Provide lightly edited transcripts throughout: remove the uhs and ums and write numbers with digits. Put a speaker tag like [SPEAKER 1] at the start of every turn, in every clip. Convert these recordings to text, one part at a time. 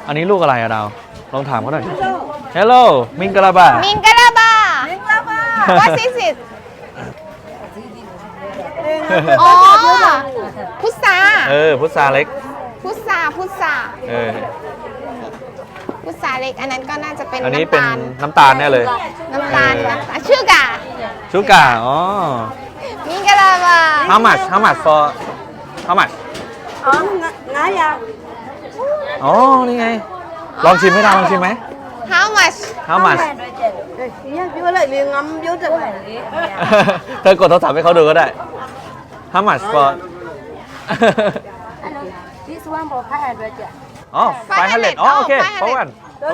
[SPEAKER 1] อันนี้ลูกอะไรอะดาวลองถามเขาหน่อย Hello มิงกะลาบา
[SPEAKER 2] มิงกะลาบา What is it อ๋อพุทรา
[SPEAKER 1] พุทราเล็ก
[SPEAKER 2] พุทราพุทราเล็กอันนั้นก็น่าจะเป็น
[SPEAKER 1] อันนี้
[SPEAKER 2] น้ำ
[SPEAKER 1] เป็น
[SPEAKER 2] ตาล
[SPEAKER 1] น้ำตาลแน่เลย
[SPEAKER 2] น้ำตาลชูกา
[SPEAKER 1] ชูกาอ๋อ
[SPEAKER 2] มิงกะลาบา
[SPEAKER 1] How much for How much อ๋อ นี่ไง ลองชิมไหมดาวลองชิมไหม
[SPEAKER 2] How much
[SPEAKER 1] How much เธอกดโทรศัพท์ให้เขาดูก็ได้ How much for
[SPEAKER 3] This one for 500.
[SPEAKER 1] อ๋อ500อ๋อโอเคเพราะวัน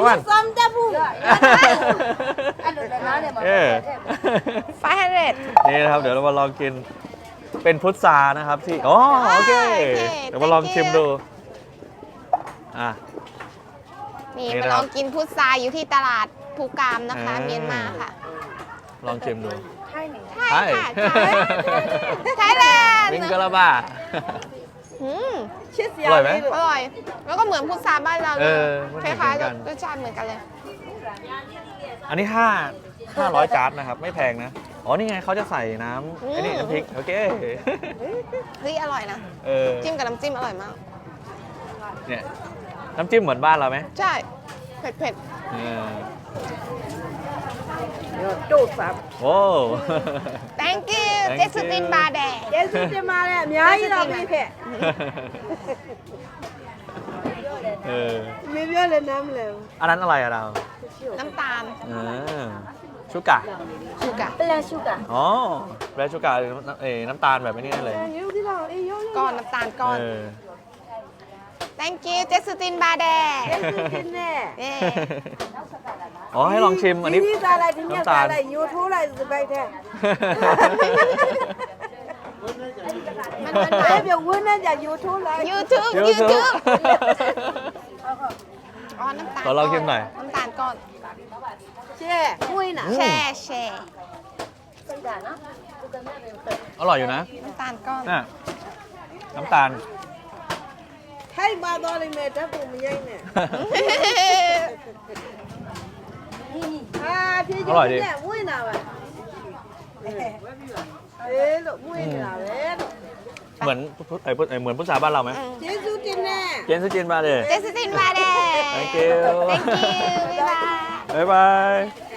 [SPEAKER 2] 500
[SPEAKER 1] นี่นะครับ เดี๋ยวเรามาลองกิน เป็นพุทรานะครับที่อ๋อโอเค เดี๋ยวมาลองชิมดูอ่ะ
[SPEAKER 2] นี่
[SPEAKER 1] นี่
[SPEAKER 2] มา
[SPEAKER 1] นะครับ
[SPEAKER 2] ลองกินพุทราอยู่ที่ตลาดภูกามนะคะ เมียนมาค่ะ
[SPEAKER 1] ลองชิมดู
[SPEAKER 2] ใช่
[SPEAKER 1] ใช่
[SPEAKER 2] ค่ะไทยแลนด์
[SPEAKER 1] มิงกะลาบา
[SPEAKER 2] อืม
[SPEAKER 1] อร่อยไหม
[SPEAKER 2] อร่อย แล้วก็เหมือนพุทราบ้านเราเลย
[SPEAKER 1] มัน
[SPEAKER 2] ค
[SPEAKER 1] เหมือน
[SPEAKER 2] ล้าย
[SPEAKER 1] กัน
[SPEAKER 2] ๆรสชาติเหมือนกันเลย
[SPEAKER 1] อันนี้500จาร์ดนะครับ ไม่แพงนะ อ๋อ นี่ไงเขาจะใส่น้ำไอ้นี่น้ำพริก โอเค
[SPEAKER 2] เฮ้ยอร่อยนะ จิ้มกับน้ำจิ้มอร่อยมาก
[SPEAKER 1] เนี่ยน้ำจิ้มเหมือนบ้านเราไหม
[SPEAKER 2] ใช่ เผ็ด
[SPEAKER 1] เออ
[SPEAKER 3] Đủ phẩm.
[SPEAKER 1] โอ้
[SPEAKER 2] ๆ thank you
[SPEAKER 1] Thank
[SPEAKER 2] เจสติน
[SPEAKER 1] you
[SPEAKER 2] บาแดง
[SPEAKER 3] Yes, this mà nè, nhớ gì đâu bị phệ.
[SPEAKER 1] เออ
[SPEAKER 3] Mình biết lên năm lều.
[SPEAKER 1] อันนั้นอะไรอะเรา
[SPEAKER 2] น้ำตาล
[SPEAKER 1] ชูกะ
[SPEAKER 2] ชูกะ
[SPEAKER 3] Black sugar.
[SPEAKER 1] อ๋อแบรชูกะน้ำตาลแบบนี้เลย
[SPEAKER 3] Nhớ thế nào đi, nhớ
[SPEAKER 2] ก้อนน้ำตาลก้อน thank you เจสตินบาแดง
[SPEAKER 3] Yes, this nè.
[SPEAKER 2] เย้
[SPEAKER 1] อ๋อ ให้ลองชิม อันนี้
[SPEAKER 3] Đi ra lại, đi
[SPEAKER 1] น้ำ
[SPEAKER 3] ra
[SPEAKER 1] ตาล
[SPEAKER 3] lại, YouTube lại rồi bay thế.
[SPEAKER 2] มัน
[SPEAKER 3] Em biểu quên nên là YouTube lại.
[SPEAKER 2] YouTube
[SPEAKER 1] YouTube
[SPEAKER 2] YouTube อ๋อ น้ำตาล
[SPEAKER 1] ขอลองชิมหน่อย
[SPEAKER 2] น้ำตาลก้อน
[SPEAKER 3] Chè, vui nè.
[SPEAKER 2] แช่แช่
[SPEAKER 1] อร่อยอยู่นะ
[SPEAKER 2] น้ำตาลก้อน
[SPEAKER 1] น่ะน้ำตาล
[SPEAKER 3] Thấy ba đo lên mệt đó cùng mình nhanh nè. À, thì
[SPEAKER 1] Có loại đi.
[SPEAKER 3] nè, vui nào à? Thế lộ vui nào đấy.
[SPEAKER 1] เหมือนเหมือนพุทราบ้านเราไหม
[SPEAKER 3] Chế du trên nè.
[SPEAKER 1] เจนซูจินมาเลย
[SPEAKER 2] เจสตินบาแดง
[SPEAKER 1] Thank you
[SPEAKER 2] thank you บ๊ายบาย
[SPEAKER 1] บ๊ายบาย